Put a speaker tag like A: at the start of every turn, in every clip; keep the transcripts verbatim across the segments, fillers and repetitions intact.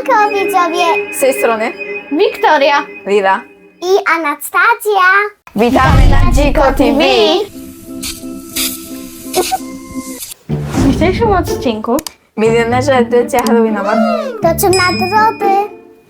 A: Siemanko widzowie
B: Z tej strony
C: Wiktoria
B: Lila.
A: i Anastazja.
B: Witamy na Dziko T V.
C: w dzisiejszym odcinku
B: Milionerzy edycja halloweenowa.
A: Toczą nagrody.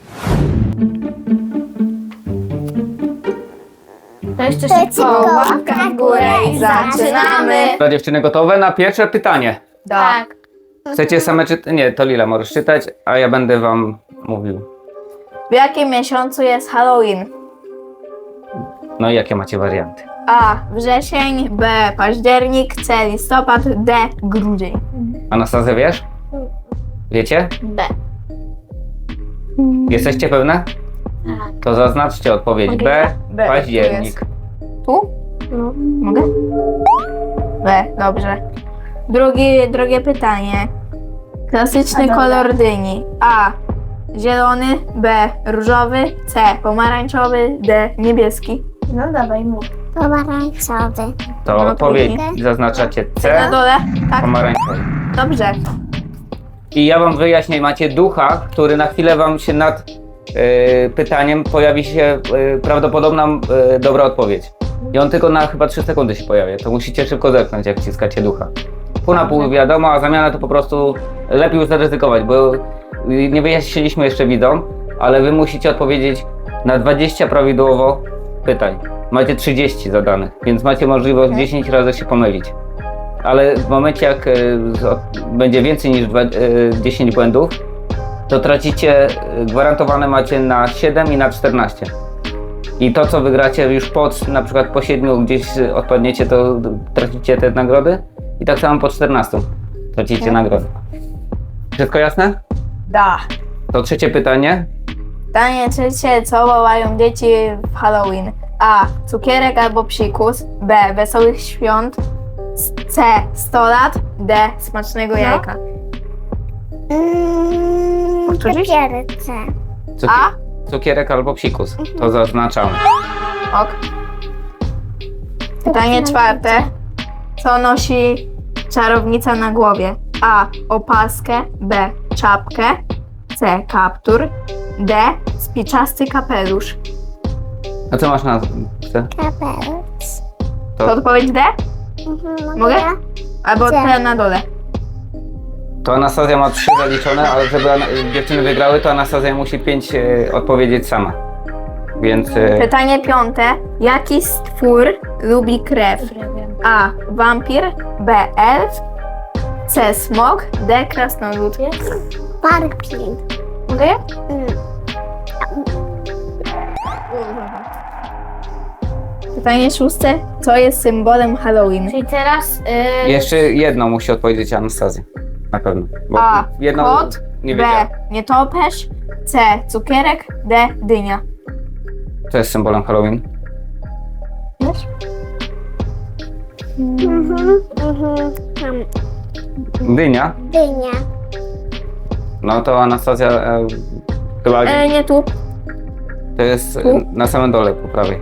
C: to jeszcze
A: To jest
C: szybko.
A: tylko
B: łapka w górę i zaczynamy.
D: Dla dziewczyny gotowe na pierwsze pytanie.
C: Tak.
D: Chcecie same czytać? Nie, to Lila możesz czytać, a ja będę wam mówił.
B: W jakim miesiącu jest Halloween?
D: No i jakie macie warianty?
B: A. Wrzesień. B. Październik. C. Listopad. D. Grudzień.
D: Anastazja, wiesz? Wiecie?
C: B.
D: Jesteście pewne? To zaznaczcie odpowiedź. B.
B: B.
D: Październik.
B: Tu?
C: No.
B: Mogę? B. Dobrze. Drugie, drugie pytanie. Klasyczny kolor dyni. A. Zielony. B. Różowy. C. Pomarańczowy. D. Niebieski.
C: No dawaj mów.
A: Pomarańczowy.
D: To
B: No,
D: odpowiedź
A: drugie.
D: zaznaczacie
B: Na
D: C.
B: dole? Tak.
D: Pomarańczowy.
B: Dobrze.
D: I ja wam wyjaśnię, macie ducha, który na chwilę wam się nad y, pytaniem pojawi się y, prawdopodobna y, dobra odpowiedź. I on tylko na chyba trzy sekundy się pojawia. To musicie szybko zerknąć, jak wciskacie ducha. Pół na pół wiadomo, a zamiana to po prostu lepiej już zaryzykować, bo y, nie wyjaśniliśmy jeszcze widzom, ale wy musicie odpowiedzieć na dwadzieścia prawidłowo pytań. Macie trzydzieści zadanych, więc macie możliwość dziesięć razy się pomylić. Ale w momencie, jak y, z- będzie więcej niż dwa, y, dziesięć błędów, to tracicie, y, gwarantowane macie na siedem i na czternaście. I to, co wygracie już po, na przykład po siedmiu gdzieś y, odpadniecie, to tracicie te nagrody. I tak samo po czternastu tracicie nagrody. Wszystko jasne?
B: Da.
D: To trzecie pytanie.
B: Pytanie trzecie, co wołają dzieci w Halloween? A. Cukierek albo psikus. B. Wesołych świąt. C. sto lat. D. Smacznego jajka.
A: Mm,
B: Powtórzyć?
A: Cukierce.
D: Cukier-
B: A.
D: Cukierek albo psikus. To zaznaczamy.
B: Ok. Pytanie czwarte. Co nosi czarownica na głowie? A. Opaskę. B. Czapkę. C. Kaptur. D. Spiczasty kapelusz.
D: A co masz na C?
A: Kapelusz.
B: To
D: To,
B: odpowiedź D?
A: Mhm,
B: Mogę? Albo
A: C.
B: T na dole.
D: to Anastazja ma trzy zaliczone, ale żeby ana- dziewczyny wygrały, to Anastazja musi pięć e, odpowiedzieć sama. Więc e,
B: Pytanie piąte. Jaki stwór lubi krew? A. Wampir. B. Elf. C. Smok. D. Krasnolud.
A: Parking.
B: Mogę?
A: Mm.
B: Pytanie szóste. Co jest symbolem Halloween?
C: Czyli teraz y,
D: jeszcze jedno musi odpowiedzieć Anastazja. Na pewno. Bo
B: A.
D: jedno
B: Kot.
D: nie
B: B.
D: wiedziała.
B: Nietoperz. C. Cukierek. D. Dynia.
D: To jest symbolem Halloween.
B: Wiesz?
A: Mhm, mhm. Tam
D: Dynia.
A: dynia.
D: No to Anastazja e, chyba
B: E, nie tu.
D: to jest e,
B: tu?
D: na samym dole po prawej.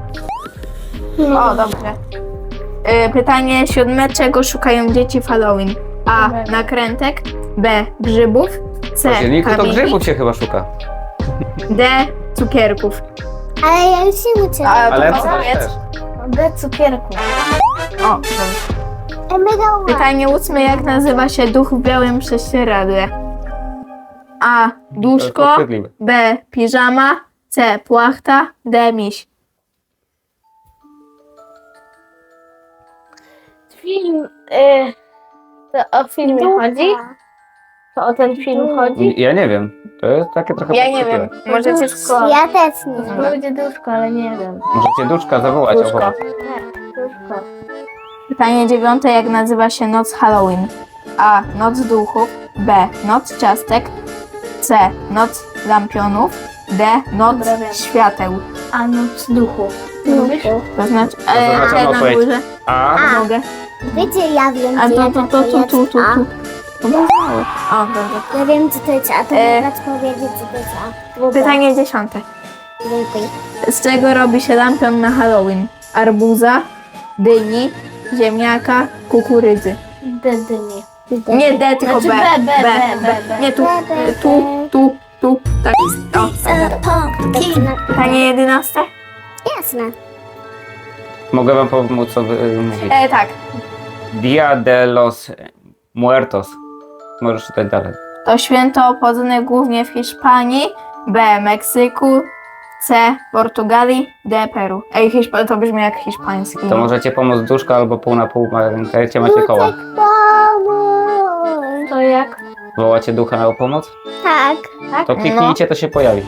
B: O, dobrze. E, pytanie siódme. Czego szukają dzieci w Halloween? A. Nakrętek. B. Grzybów.
D: W
B: C.
D: październiku to
B: kamieni.
D: grzybów się chyba szuka.
B: D. Cukierków.
A: Ale ja już się uczę.
B: A,
D: Ale
B: to
D: też.
B: powiedz.
C: D cukierku.
B: O, dobrze.
A: Mega ładnie.
B: Pytanie ósme. Jak nazywa się duch w białym prześcieradle? A.
D: To jest
B: Duszko.
D: podchwytliwe.
B: B. Piżama. C. Płachta. D. Miś.
C: Film, y, to o filmie chodzi? To o ten film chodzi?
D: Ja nie wiem. To jest takie trochę
B: Ja nie wiem.
D: podchwytliwe.
B: Możecie
C: Duszko.
A: Ja też nie.
C: To będzie duszko, ale nie wiem.
D: Możecie duszka zawołać.
B: Duszko.
D: obok.
C: Tak, duszko.
B: Pytanie dziewiąte. Jak nazywa się noc Halloween? A. Noc duchów. B. Noc ciastek. C. Noc lampionów. D. Noc
C: Dobra, wiem.
B: świateł.
C: A noc duchu. Lubisz?
B: To znaczy,
D: To
B: e,
D: zaznaczam
B: C na
D: odpowiedź.
B: górze.
D: A.
A: A.
B: Mogę.
A: Wiecie, ja wiem,
B: A
A: gdzie
B: to, to, to, tu, tu, tu, tu.
A: A.
B: To było mało. O, dobrze.
A: Ja wiem, co to jest A. To
B: E.
A: mogę powiedzieć, co to jest A. Dobra.
B: Pytanie dziesiąte.
A: Dziękuję.
B: Z czego robi się lampion na Halloween? Arbuza, dyni, ziemniaka, kukurydzy.
C: D dyni.
B: Nie D, tylko
C: Znaczy
B: B.
C: B, B, B, B, B.
B: Nie tu,
A: B, B,
B: tu, tu, tu. Pytanie jedenaste?
A: Jasne.
D: Mogę wam pomóc, co wy y, mówić.
B: E, tak.
D: Dia de los Muertos. Możesz czytać dalej.
B: To święto obchodzone głównie w Hiszpanii, B. Meksyku, C. Portugalii, D. Peru. Ej, Hiszpa to brzmi jak hiszpański.
D: To możecie pomóc duszka albo pół na pół. Pamiętajcie, macie koła.
A: Pomóż.
C: To jak?
D: Wołacie ducha na pomoc?
A: Tak.
D: To kliknijcie, to się pojawi.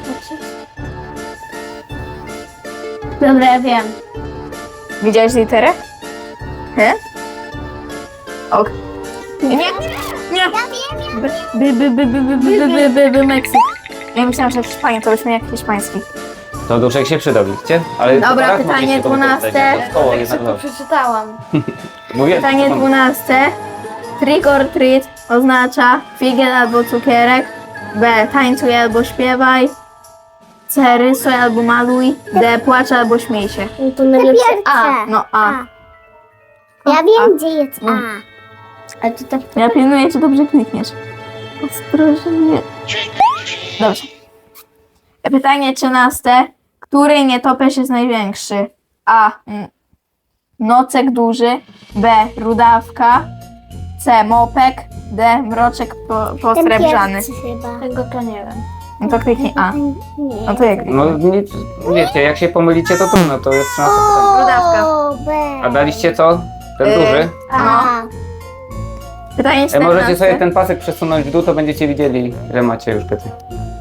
C: Dobra, ja wiem.
B: Widziałeś literę? He? Ok. Nie, nie, nie! By, by, by, by, by, by, by, by, by, Meksyk. Ja myślałam, że Hiszpania to brzmi jak hiszpański.
D: To duszek się przydał, widzicie? Ale
B: Dobra,
D: teraz
B: pytanie
D: mogliście to
B: dwunaste.
D: wykorzystać. To koło
C: Tak
D: jednak
C: szybko
D: dobrze.
C: przeczytałam.
D: Mówię,
B: Pytanie
D: co pan-
B: dwunaste. Trick or treat oznacza figiel albo cukierek. B. Tańcuj albo śpiewaj. C. Rysuj albo maluj. D. Płacz albo śmiej się.
C: No to najlepsze A.
A: Pierwsze.
B: No A.
A: Ja wiem, gdzie jest A.
C: A ty tak...
B: Ja pilnuję, czy dobrze klikniesz. Ostrożnie. Dobrze. Pytanie trzynaste. Który nietoperz jest największy? A. mm, Nocek duży. B. Rudawka. C. Mopek. D. Mroczek po,
A: Ten
B: posrebrzany.
A: pierwszy chyba.
C: Tego to nie wiem.
B: No to kliknij A.
A: Nie.
B: No to jak?
D: No nic, wiecie, jak się pomylicie, to trudno, to jest trzynaste pytanie.
B: Rudawka.
A: O, B.
D: A daliście co? Ten
B: Y,
D: duży?
A: A.
B: Pytanie
D: E, możecie sobie
B: czternaste.
D: ten pasek przesunąć w dół, to będziecie widzieli, że macie już pytań.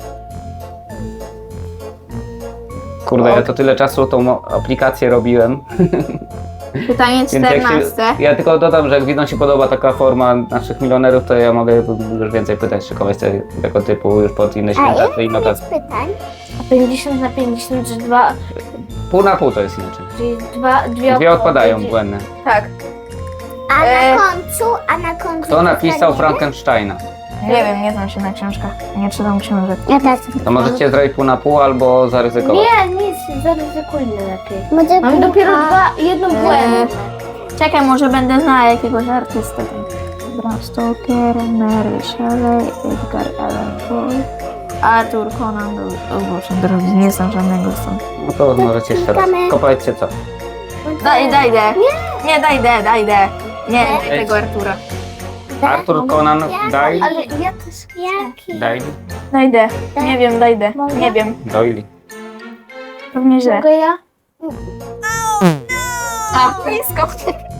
D: Kurde, ja to tyle czasu tą mo- aplikację robiłem.
B: Pytanie
D: Więc jak się,
B: czternaste.
D: ja tylko dodam, że jak widzom się podoba taka forma naszych milionerów, to ja mogę już więcej pytań szykować te- tego typu już pod inne
A: A
D: święta
A: ile
D: i notacje.
A: jest pytań?
C: A pięćdziesiąt na pięćdziesiąt, że dwa...
D: Pół na pół to jest inaczej.
C: Czyli dwa... Dwie,
D: Dwie odpadają
C: odpowiedzi.
D: błędne.
B: Tak.
A: A
B: E.
A: na końcu, a na końcu...
D: Kto napisał
A: pytanie?
D: Frankensteina?
B: Nie wiem, nie znam się na książkach. Nie czytam książek.
A: Ja też.
D: To możecie zrobić pół na pół albo zaryzykować.
C: Nie, nic, zaryzykujmy lepiej.
A: Może
C: Mam
A: kilka-
C: dopiero dwa, jedną błędną.
B: Czekaj, może będę znała jakiegoś artystę. Bram Stoker, Mary Shelley, Edgar Allan Poe, Arthur Conan Doyle. O Boże, drogi, nie znam żadnego stąd.
D: No to możecie jeszcze raz.
A: Klikamy.
D: Kopajcie co?
B: Daj, daj D. Nie, nie daj D, daj D. Nie, daj tego Artura.
D: Arthur Conan Doyle?
C: Ale ja też...
A: Jaki?
D: Doyle?
B: Daj D. Nie wiem, daj D.
A: Mogę?
B: Nie wiem.
D: Doyle.
B: Pewnie źle.
C: Mogę ja?
B: A, blisko.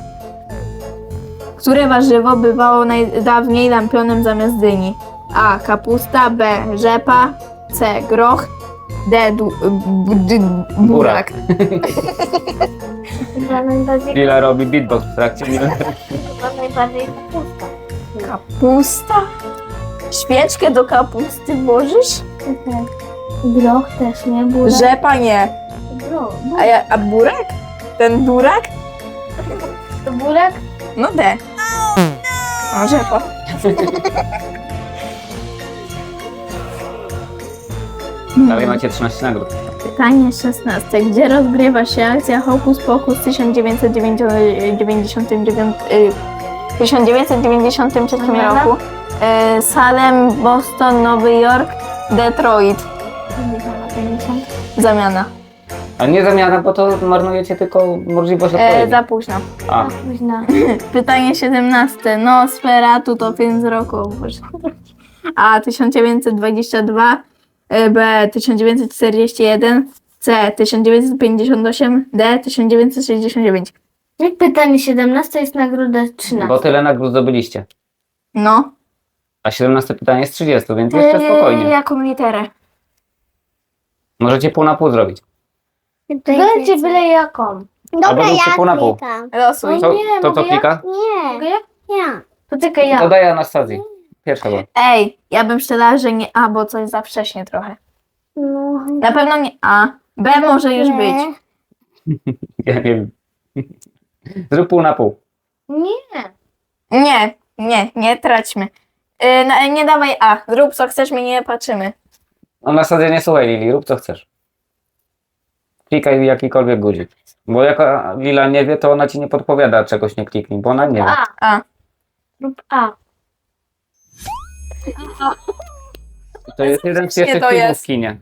B: Które warzywo bywało najdawniej lampionem zamiast dyni? A. Kapusta. B. Rzepa. C. Groch. D. Du, b, d, burak.
C: Chyba najbardziej...
D: Lila robi beatbox w trakcie.
C: Chyba najbardziej kapusta.
B: Kapusta? Świeczkę do kapusty włożysz?
C: Groch też, nie? Burak.
B: Rzepa nie.
C: Groch.
B: A, ja, a burak? Ten burak?
C: To burak?
B: No D. O, rzepa.
D: Dalej macie trzynaście nagród.
B: Pytanie szesnaste. Gdzie rozgrywa się akcja Hokus Pokus w tysiąc dziewięćset dziewięćdziesiątym dziewiątym y, tysiąc dziewięćset dziewięćdziesiątym trzecim
C: Zamiana?
B: roku? Y, Salem, Boston, Nowy Jork, Detroit. Zamiana.
D: A nie zamiana, bo to marnujecie tylko możliwość
B: E,
D: odpowiedzi.
B: za późno.
D: A,
C: Późna.
B: Pytanie siedemnaste. Nosferatu to film z roku. O Boże. A. tysiąc dziewięćset dwadzieścia dwa. e, B. tysiąc dziewięćset czterdzieści jeden. C. tysiąc dziewięćset pięćdziesiąt osiem. D. tysiąc dziewięćset sześćdziesiąt dziewięć.
C: Pytanie siedemnaste jest nagroda trzynaście.
D: bo tyle nagród zdobyliście.
B: No.
D: A siedemnaste pytanie jest trzydzieści, więc jeszcze
B: E,
D: spokojnie.
B: jaką literę?
D: Możecie pół na pół zrobić.
C: Będzie byle jaką.
A: Dobra,
D: Albo róbcie
A: ja
D: pół na pół.
A: klikam.
B: Losuj.
D: Co,
C: nie,
D: to co
C: mogę ja?
D: klika?
A: Nie,
C: Mogę ja?
A: ja.
C: Poczekaj ja.
D: Dodaję Anastazji. Pierwsza była.
B: Ej, ja bym szczerała, że nie A, bo coś za wcześnie trochę.
A: No,
B: Na pewno nie A. B może już być.
D: Ja nie wiem. Zrób pół na pół.
C: Nie.
B: Nie, nie, nie traćmy. Yy, na, nie dawaj A. Zrób co chcesz, my nie patrzymy.
D: Anastazja, nie słuchaj Lili, rób co chcesz. Klikaj jakikolwiek guzik. Bo jak Lila nie wie, to ona ci nie podpowiada czegoś nie kliknij, bo ona nie wie.
C: A.
B: A.
C: Rób A.
D: To jest jeden z
B: Bezpiecznie
D: pierwszych
B: to
D: filmów
B: jest.
D: w kinie.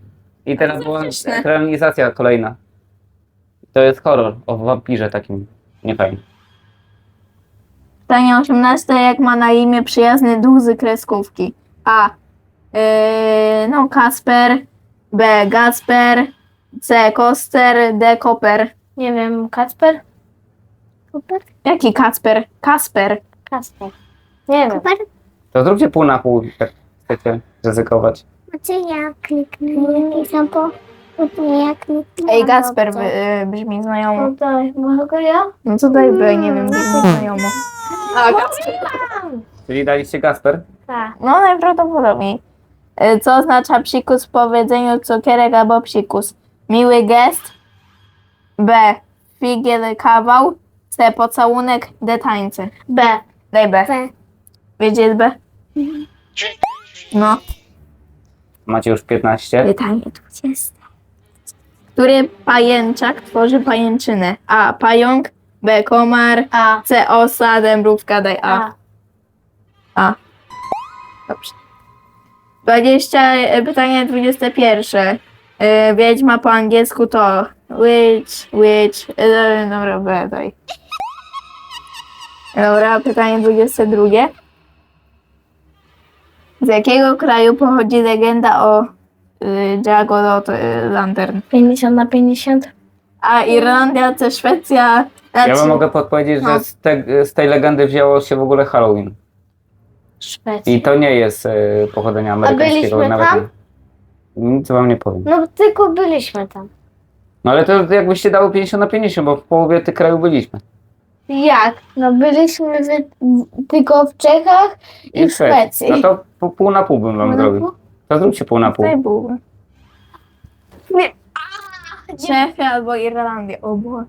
D: I teraz była
B: Faktycznie.
D: ekranizacja kolejna. To jest horror o wampirze takim. Niefajnie.
B: Pytanie osiemnaste. Jak ma na imię przyjazny duch z kreskówki? A. Yy, no, Kasper. B. Gasper. C. Koster. D. Koper.
C: Nie wiem, Kacper? Super?
B: Jaki Kacper? Kasper.
C: Kasper. Nie wiem.
A: Super.
D: To zróbcie pół na pół, jak chcecie ryzykować.
A: Znaczy ja kliknę i sam po... Nie, ja kliknę.
B: Ej, Gasper by, y, brzmi znajomo.
C: No daj, mogę ja?
B: No co daj B, nie wiem, brzmi znajomo. A, Gasper.
D: Czyli daliście Gasper?
C: Tak.
B: No najprawdopodobniej. Y, Co oznacza psikus w powiedzeniu cukierek albo psikus? Miły gest. B. Figiel kawał. C. Pocałunek. D. Tańce.
C: B.
B: Daj B.
A: B.
B: Wiecie jest B? No.
D: Macie już piętnaście.
B: Pytanie dwudzieste. Który pajęczak tworzy pajęczynę? A. Pająk. B. Komar.
C: A.
B: C. Osa. D. Mrówka. Daj A.
C: A.
B: A. Dobrze. dwadzieścia, e, pytanie dwudzieste pierwsze. E, Wiedźma po angielsku to witch, witch. E, Dobra, B, daj. Dobra, pytanie dwudzieste drugie. Z jakiego kraju pochodzi legenda o y, Jack o Lantern?
C: pięćdziesiąt na pięćdziesiąt.
B: A Irlandia, C. Szwecja.
D: Ja wam
B: znaczy-
D: mogę podpowiedzieć,
B: No.
D: że z, te, z tej legendy wzięło się w ogóle Halloween.
C: Szwecja.
D: I to nie jest e, pochodzenia amerykańskiego.
C: byliśmy
D: nawet
C: tam?
D: nie. Nic wam nie powiem.
C: No tylko byliśmy tam.
D: No ale to jakbyście dało pięćdziesiąt na pięćdziesiąt, bo w połowie tych krajów byliśmy.
C: Jak? No byliśmy w, w, tylko w Czechach i, w Szwecji.
D: No to pół, pół na pół bym wam
C: Pół na
D: zrobił.
C: pół?
D: To zróbcie pół na pół.
B: Tutaj był. Nie. Czechy albo Irlandia. O Boże.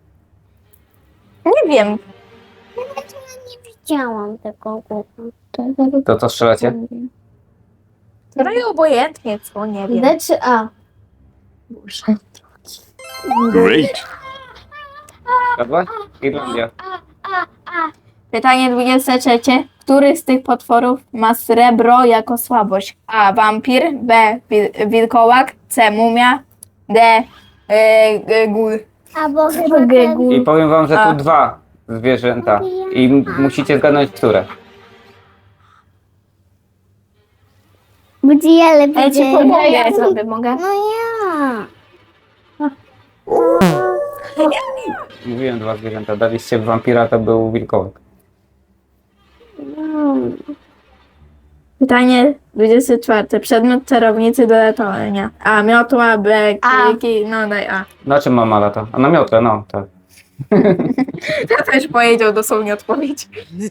B: Nie wiem.
A: Nie widziałam tego głosu.
D: To co strzelacie?
B: Trochę obojętnie, co nie wiem.
C: D czy A?
B: Boże.
E: Great.
D: Dobra? Irlandia.
B: Pytanie dwudzieste trzecie. Który z tych potworów ma srebro jako słabość? A. Wampir. B. Wil- wilkołak. C. Mumia. D. E, g- gul.
A: Albo chyba
C: Gegu.
D: I powiem wam, że
B: A.
D: tu dwa zwierzęta. I m- musicie zgadnąć, które.
A: Budzi, ale
B: Ja ci
A: będzie...
B: pomogę, ja sobie mogę.
A: No ja.
D: Mówiłem dwa zwierzęta. Daliście wampira, to był wilkołak.
B: Pytanie dwudzieste czwarte. Przedmiot czarownicy do ratowania. A. Miotła. B.
C: A.
B: Kliki. No daj A.
D: Na czym mama lata? A na miotle, no tak.
B: Ja też powiedział dosłownie odpowiedź.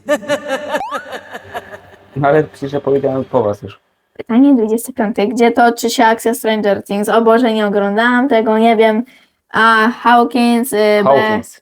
D: No ale przecież ja powiedziałem po was już.
B: Pytanie dwudzieste piąte. Gdzie toczy się akcja Stranger Things? O Boże, nie oglądałam tego, nie wiem. A. Hawkins. Y, B.
D: Hawkins.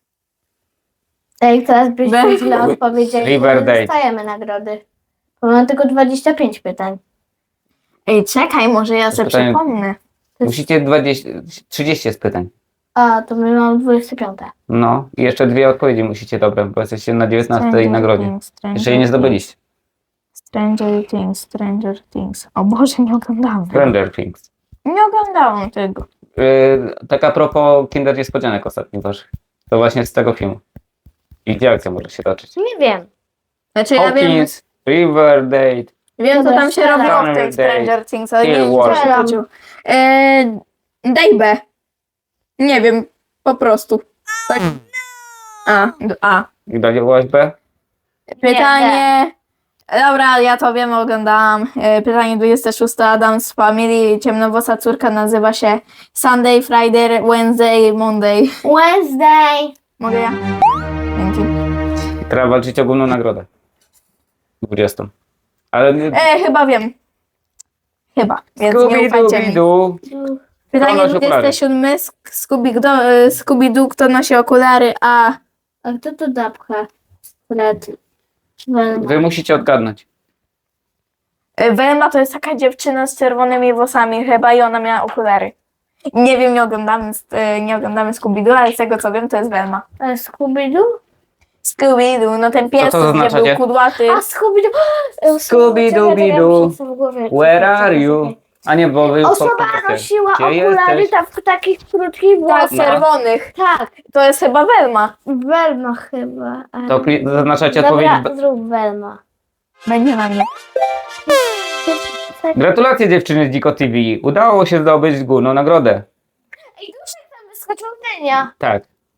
C: Jak teraz byśmy
B: B.
C: źle odpowiedzieli, to
D: Riverdale.
C: nie dostajemy nagrody. Bo mam tylko dwadzieścia pięć pytań.
B: Ej, czekaj, może ja sobie
D: pytanie-
B: przypomnę.
D: Musicie dwadzieścia, trzydzieści jest pytań.
C: A, to my mamy dwadzieścia pięć.
D: No i jeszcze dwie odpowiedzi musicie dobre, bo jesteście na dziewiętnastej
B: Stranger
D: nagrodzie.
B: Things, Stranger
D: Jeszcze jej nie zdobyliście.
B: Stranger Things, Stranger Things. O Boże, nie oglądałam tego.
D: Stranger Things.
B: Nie oglądałam tego.
D: Yy, tak a propos Kinder Niespodzianek ostatnich waszych. To właśnie z tego filmu. I gdzie akcja może się toczyć?
C: Nie wiem.
B: Znaczy ja wiem,
D: Hawkins, Riverdale.
B: wiem co
C: Dobra,
B: tam się
C: strzelam.
B: robiło w
D: Stranger
B: tej Stranger Things, ale nie
D: Hill
B: wiem, co
D: Wars.
B: się chodziło. Eee, daj B. Nie wiem, po prostu. Tak. A, d- A.
D: I dałaś B?
B: Pytanie... Dobra, ja to wiem, oglądałam. E, Pytanie dwudzieste szóste. Adams Family. Ciemnowłosa córka nazywa się Sunday, Friday, Wednesday, Monday.
C: Wednesday.
B: Mogę ja? Dzięki.
D: I teraz walczyć o główną nagrodę. dwudziestą. Ale nie...
B: E, chyba wiem. Chyba, więc nie ufajcie mi.
D: Scooby-Doo.
B: Pytanie
D: Kto nosi
B: dwudzieste
D: okulary?
B: siódme. Scooby-Doo, Scooby-Doo, kto nosi okulary? A.
C: A kto to dapka? Fred. Velma.
D: Wy musicie odgadnąć.
B: E, Velma to jest taka dziewczyna z czerwonymi włosami chyba i ona miała okulary. Nie wiem, nie oglądamy, e, nie oglądamy Scooby-Doo, ale z tego co wiem, to jest Velma.
C: A Scooby-Doo?
B: Scooby-Doo, no ten pies,
D: to
B: gdzie
D: zaznaczacie?
B: był kudłaty.
C: A Scooby-Doo!
D: Scooby-Doo-Doo.
C: Czekaj, czekaj, ja muszę sobie w głowie-
D: Where
C: czekaj,
D: are
C: czekaj,
D: you?
C: czekaj.
D: A nie, bo wy już
C: Osoba
D: podkreślacie.
C: nosiła
D: Gdzie
C: okulary
D: jesteś?
C: tam w takich krótkich
B: Tak,
C: włosach.
D: No.
B: czerwonych.
C: Tak,
B: To jest chyba Welma.
C: Welma chyba. ale-
D: To kli- zaznaczacie odpowiedź.
C: Dobra,
D: B-
C: zrób Welma.
B: Będzie na mnie.
D: Gratulacje dziewczyny z Dziko T V. Udało się zdobyć główną nagrodę.
C: Ej, duszek tam wyskoczył Denia.
D: Tak.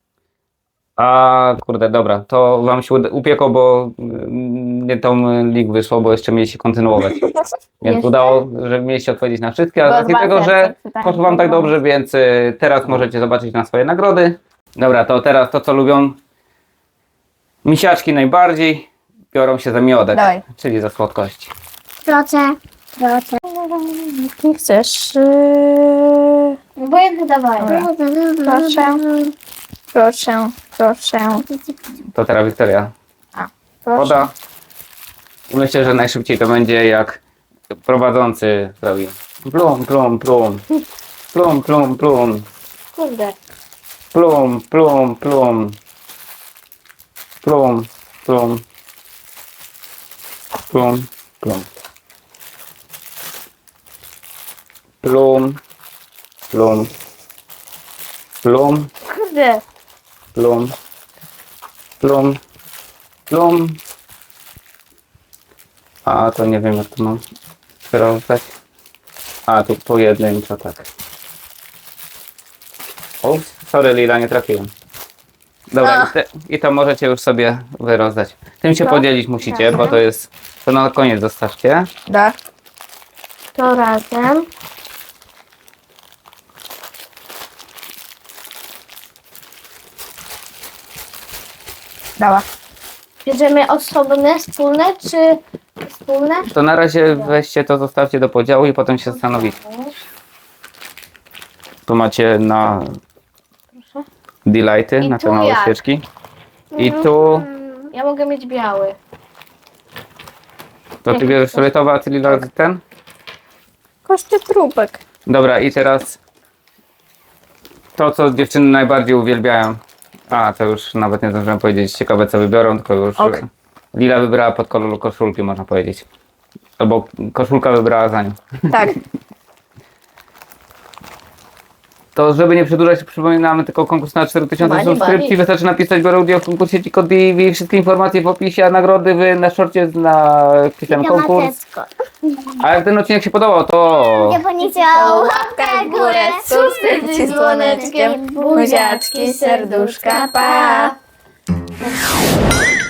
D: A kurde, dobra, to wam się uda- upiekło, bo mm, nie tą link wyszło, bo jeszcze mieliście kontynuować. Więc
C: Jeszcze?
D: udało, że mieliście odpowiedzieć na wszystkie, a
B: Bo
D: z racji
B: dwa
D: tego, że
B: serce pytania
D: poszło wam tak
B: było.
D: dobrze, więc y, teraz możecie zobaczyć na swoje nagrody. Dobra, to teraz to, co lubią misiaczki najbardziej, biorą się za miodek,
B: Dawaj.
D: czyli za słodkości.
A: Proszę. Proszę.
B: Nie chcesz? Yy...
C: Obojętnie dawaj.
B: Proszę. Proszę, proszę.
D: To teraz Wiktoria
B: Proszę.
D: poda. I myślę, że najszybciej to będzie jak prowadzący robi. Plum, plum, plum. Plum, plum, plum.
C: Kurde.
D: Plum, plum, plum. Plum, plum. Plum, plum. Plum, plum. Plum,
C: Kurde.
D: plum. Plum, plum. A to nie wiem jak to mam rozwiązać. A tu pojedynczo tak. O, sorry Lila, nie trafiłem. Dobra,
B: A.
D: i, te, i to możecie już sobie wyrozdać. Tym się
B: To?
D: podzielić musicie, bo to jest, to na koniec zostawcie.
B: Da.
C: To razem.
B: Dała.
C: Bierzemy osobne, wspólne czy wspólne?
D: To na razie weźcie to, zostawcie do podziału i potem się zastanowicie. Tu macie na delighty,
C: I
D: na
C: tu
D: te małe
C: jak?
D: świeczki. I tu,
C: Ja mogę mieć biały.
D: to ty bierzesz fioletowy, a ty Lila ten?
B: Koszty trupek.
D: Dobra, i teraz to, co dziewczyny najbardziej uwielbiają. A, to już nawet nie zdążyłem powiedzieć. Ciekawe, co wybiorą, tylko już
B: Okej.
D: Lila wybrała pod kolor koszulki, można powiedzieć. Albo koszulka wybrała za nią.
B: Tak.
D: To żeby nie przedłużać, przypominamy tylko konkurs na cztery tysiące
B: Bani,
D: subskrypcji.
B: bani.
D: Wystarczy napisać biorę udział w konkursie Dziko T V. Wszystkie informacje w opisie, a nagrody wy na szorcie na wpisałem konkurs.
A: Matecko.
D: A jak ten odcinek się podobał, to...
A: Nie powiedział.
B: Łapkę w górę, subskrypcji z dzwoneczkiem, buziaczki, serduszka, pa!